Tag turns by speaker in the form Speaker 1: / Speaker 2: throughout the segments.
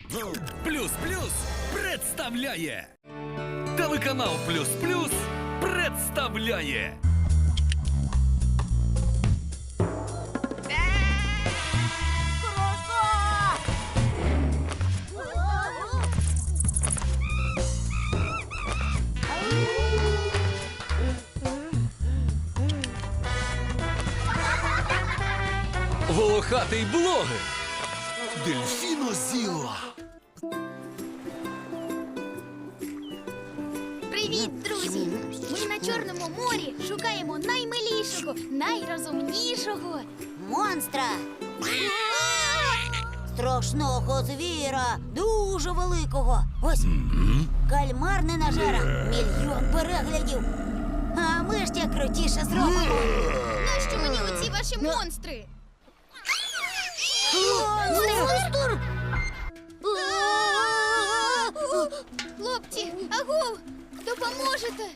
Speaker 1: Плюс Плюс представляє. Телеканал Плюс Плюс представляє. Волохатий блогер. Дельфінозіла.
Speaker 2: Привіт, друзі! Ми на Чорному морі шукаємо наймилішого, найрозумнішого
Speaker 3: Монстра! Страшного звіра, дуже великого. Ось кальмар ненажера, 1 мільйон переглядів. А ми ж як крутіше зробимо.
Speaker 2: Нащо мені оці ваші монстри?
Speaker 3: Монстр!
Speaker 2: Хлопці, агов! Допоможете!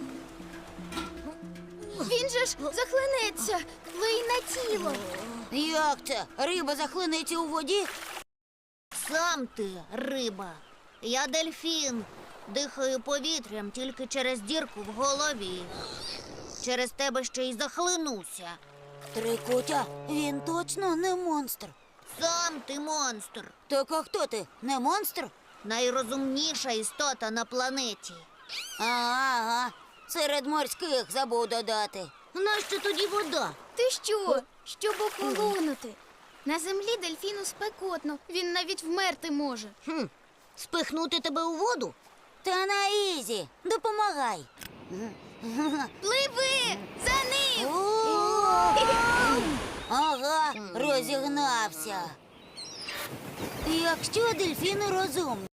Speaker 2: Він же ж захлинеться, лий на тіло.
Speaker 3: Як це? Риба захлинеться у воді? Сам ти риба. Я дельфін. Дихаю повітрям тільки через дірку в голові. Через тебе ще й захлинуся. Трикутя, він точно не монстр. Сам ти монстр. Так а хто ти? Не монстр? Найрозумніша істота на планеті. Ага, серед морських забув додати. Нащо тоді вода?
Speaker 2: Ти що? Щоб охолонути. На землі дельфіну спекотно, він навіть вмерти може.
Speaker 3: Спихнути тебе у воду? Та на ізі, допомагай.
Speaker 2: Пливи! За ним!
Speaker 3: Ага, розігнався. Якщо дельфіни розумні.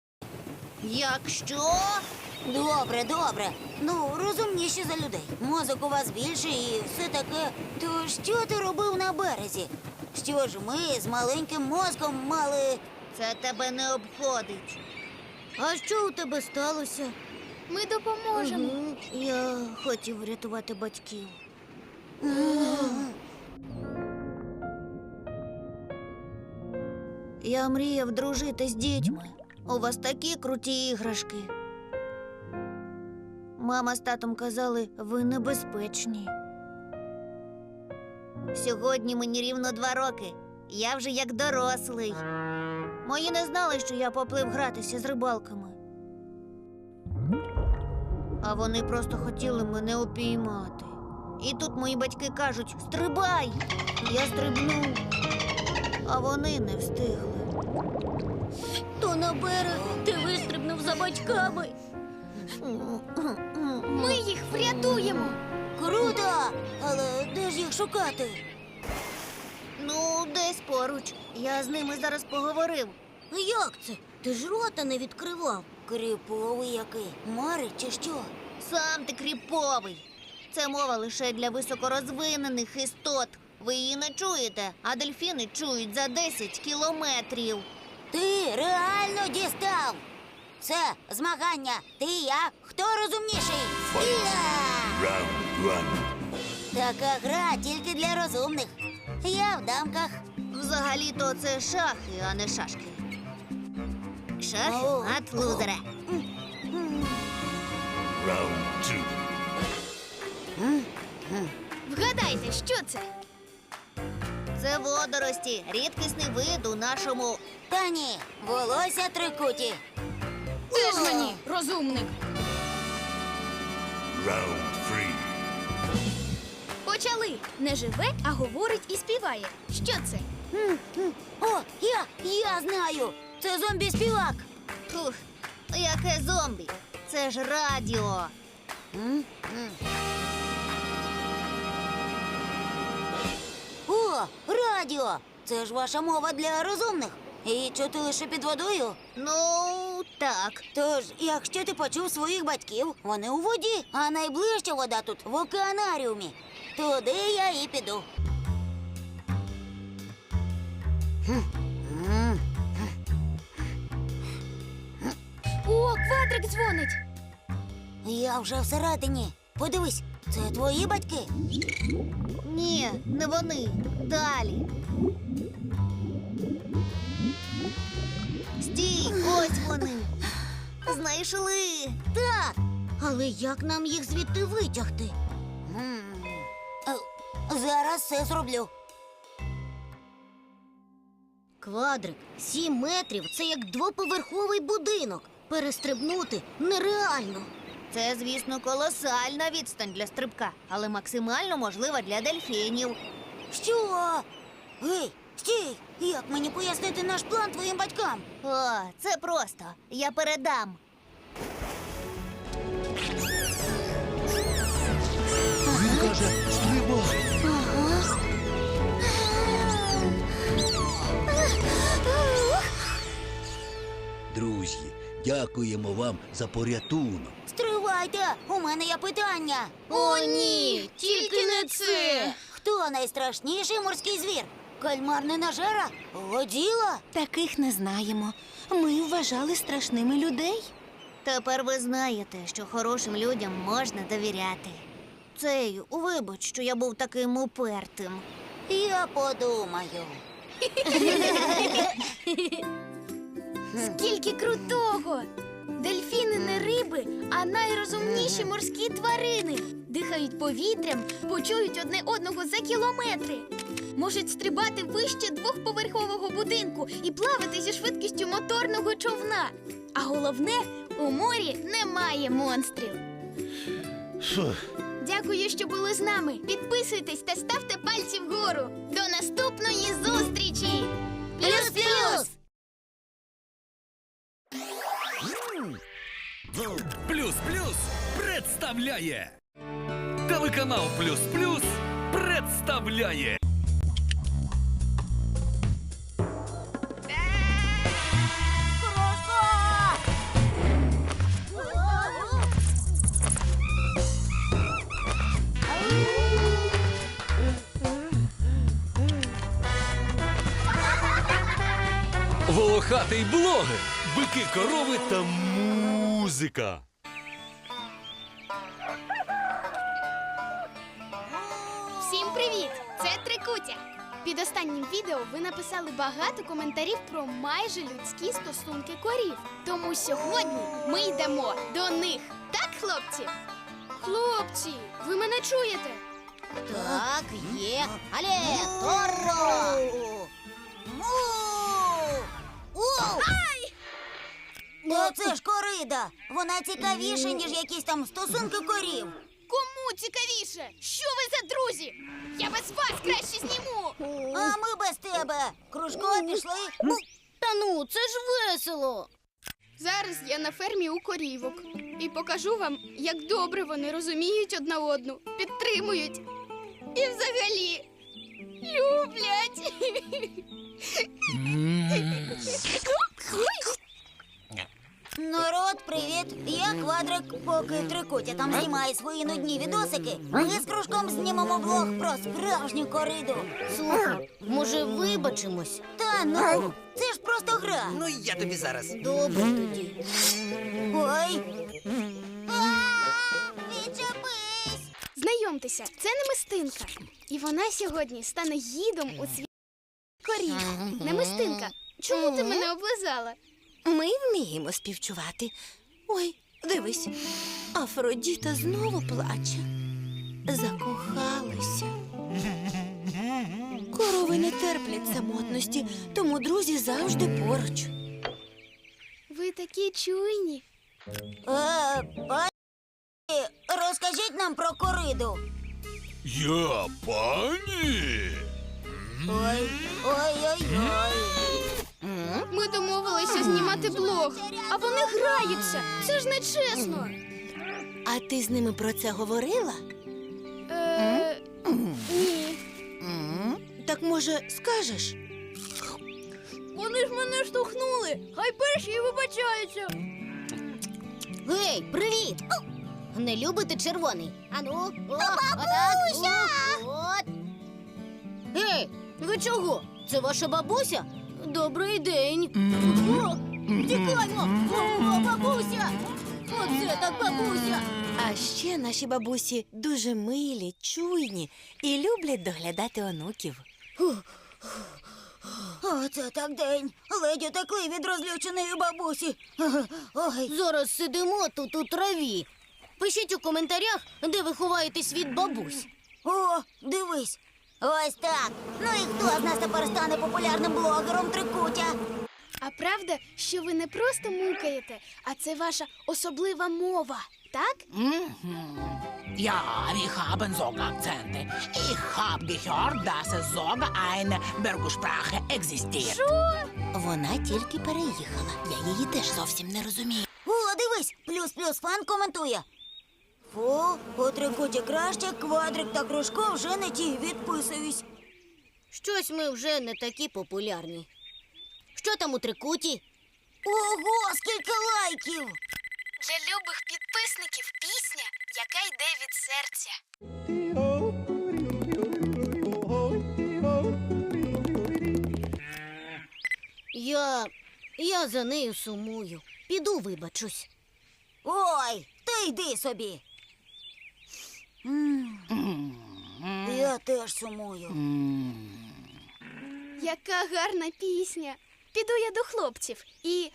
Speaker 3: Якщо? Добре, добре. Ну, розумніші за людей. Мозок у вас більший і все таке. То що ти робив на березі? Що ж ми з маленьким мозком мали... Це тебе не обходить. А що у тебе сталося?
Speaker 2: Ми допоможемо.
Speaker 3: Я хотів врятувати батьків. Я мріяв дружити з дітьми. У вас такі круті іграшки. Мама з татом казали, ви небезпечні. Сьогодні мені рівно 2 роки. Я вже як дорослий. Мої не знали, що я поплив гратися з рибалками. А вони просто хотіли мене упіймати. І тут мої батьки кажуть, стрибай! Я стрибнув, а вони не встигли. То на берег ти вистрибнув за батьками.
Speaker 2: Ми їх врятуємо.
Speaker 3: Круто! Але де ж їх шукати? Ну, десь поруч. Я з ними зараз поговорив. Як це? Ти ж рота не відкривав. Кріповий який? Марить чи що? Сам ти кріповий. Це мова лише для високорозвинених істот. Ви її не чуєте, а дельфіни чують за 10 кілометрів. Ти реально дістав! Це змагання. Ти і я. Хто розумніший? Така гра тільки для розумних. Я в дамках. Взагалі-то це шахи, а не шашки. Шахи от лузера.
Speaker 2: Вгадайте, що це?
Speaker 3: Це водорості. Рідкісний вид у нашому... Та ні, волосся трикуті.
Speaker 2: Теж мені, розумник. Почали. Не живе, а говорить і співає. Що це?
Speaker 3: О, я знаю. Це зомбі-співак. Фух, яке зомбі? Це ж радіо. О, радіо! Це ж ваша мова для розумних. І чути лише під водою? Ну, так. Тож, якщо ти почув своїх батьків, вони у воді, а найближча вода тут в океанаріумі. Туди я і піду.
Speaker 2: О, квадрик дзвонить.
Speaker 3: Я вже всередині. Подивись, це твої батьки? Ні, не вони. Далі. Знайшли. Так. Але як нам їх звідти витягти? Зараз все зроблю. Квадрик, 7 метрів – це як двоповерховий будинок. Перестрибнути нереально. Це, звісно, колосальна відстань для стрибка, але максимально можлива для дельфінів. Що? Гей, стій! Як мені пояснити наш план твоїм батькам? О, це просто. Я передам.
Speaker 1: Він каже, стрибай.
Speaker 4: Друзі, дякуємо вам за порятунок.
Speaker 3: Стривайте! У мене є питання.
Speaker 2: О, ні! Тільки не це!
Speaker 3: Хто найстрашніший морський звір? Кальмар ненажера? Годіла?
Speaker 5: Таких не знаємо. Ми вважали страшними людей.
Speaker 3: Тепер ви знаєте, що хорошим людям можна довіряти. Цей, вибач, що я був таким упертим. Я подумаю.
Speaker 2: Скільки крутого! Дельфіни не риби, а найрозумніші морські тварини. Дихають повітрям, почують одне одного за кілометри. Можуть стрибати вище двохповерхового будинку і плавати зі швидкістю моторного човна. А головне, у морі немає монстрів. Дякую, що були з нами. Підписуйтесь та ставте пальці вгору. До наступної зустрічі! Плюс-плюс!
Speaker 1: Плюс Плюс представляє. Телеканал Плюс Плюс представляє. Волохатий блогер. Бики, корови та музика.
Speaker 2: Всім привіт! Це Трикутя. Під останнім відео ви написали багато коментарів про майже людські стосунки корів. Тому сьогодні ми йдемо до них. Так, хлопці? Хлопці, ви мене чуєте?
Speaker 3: Так, є. Але, Торо! Ай! Це ж корида. Вона цікавіша, ніж якісь там стосунки корів.
Speaker 2: Кому цікавіше? Що ви за друзі? Я без вас краще зніму.
Speaker 3: А ми без тебе. Кружко, пішли. Та ну, це ж весело.
Speaker 2: Зараз я на фермі у корівок і покажу вам, як добре вони розуміють одна одну, підтримують і взагалі люблять.
Speaker 3: Народ, привіт! Я Квадрик, поки Трикутя там знімає свої нудні відосики. Ми з Кружком знімемо влог про справжню кориду. Слухай, може вибачимось? Та ну, це ж просто гра.
Speaker 6: Ну, я тобі зараз.
Speaker 3: Добре тоді. Ой. Відчепись!
Speaker 2: Знайомтеся, це Немистинка. І вона сьогодні стане гідом у світ корів. Немистинка, чому ти мене облизала?
Speaker 5: Ми вміємо співчувати. Ой, дивись, Афродіта знову плаче. Закохалася. Корови не терплять самотності, тому друзі завжди поруч.
Speaker 2: Ви такі чуйні.
Speaker 3: Пані, розкажіть нам про кориду.
Speaker 1: Я пані.
Speaker 3: Ой-ой-ой.
Speaker 2: Ми домовилися знімати блог, а вони граються. Це ж не чесно.
Speaker 5: А ти з ними про це говорила?
Speaker 2: Ні.
Speaker 5: Так, може, скажеш?
Speaker 2: Вони ж мене штовхнули. Хай перші і вибачаються.
Speaker 3: Гей, привіт! Не любите червоний? Ану, бабуся! От. Гей, ви чого? Це ваша бабуся? Добрий день. О, тікаймо! О, бабуся! Оце так бабуся!
Speaker 5: А ще наші бабусі дуже милі, чуйні і люблять доглядати онуків.
Speaker 3: Оце так день. Ледь утекли від розлюченої бабусі. Ой.
Speaker 5: Зараз сидимо тут у траві. Пишіть у коментарях, де ви ховаєтесь від бабусь.
Speaker 3: О, дивись. Ось так. Ну і хто з нас тепер стане популярним блогером Трикутя?
Speaker 2: А правда, що ви не просто мукаєте, а це ваша особлива мова, так?
Speaker 6: Ja, wir haben sogar Akzente. Ich habe gehört, dass es sogar eine Bergssprache existiert.
Speaker 5: Вона тільки переїхала. Я її теж зовсім не розумію.
Speaker 3: О, дивись, плюс-плюс фан коментує. Фу, у Трикуті краще, квадрик та кружко вже не ті, відписуюсь.
Speaker 5: Щось ми вже не такі популярні. Що там у Трикуті?
Speaker 3: Ого, скільки лайків!
Speaker 2: Для любих підписників пісня, яка йде від серця.
Speaker 5: Я за нею сумую. Піду вибачусь.
Speaker 3: Ой, ти йди собі. Я теж сумую.
Speaker 2: Яка гарна пісня. Піду я до хлопців і...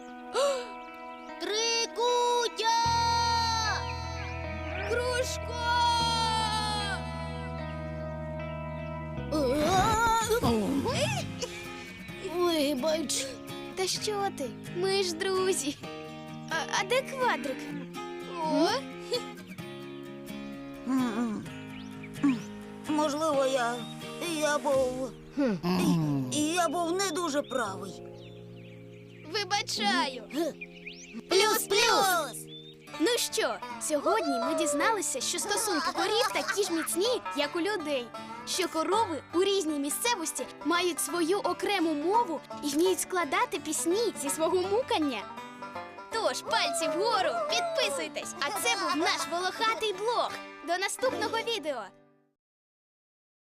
Speaker 5: Трикутя!
Speaker 2: Кружко!
Speaker 5: Вибач.
Speaker 2: Та що ти? Ми ж друзі. А де квадрик? О,
Speaker 3: Можливо, я був не дуже правий.
Speaker 2: вибачаю.
Speaker 3: Плюс-плюс!
Speaker 2: Ну що, сьогодні ми дізналися, що стосунки корів такі ж міцні, як у людей. Що корови у різній місцевості мають свою окрему мову і вміють складати пісні зі свого мукання. Тож, пальці вгору, підписуйтесь! А це був наш волохатий блог. До наступного відео!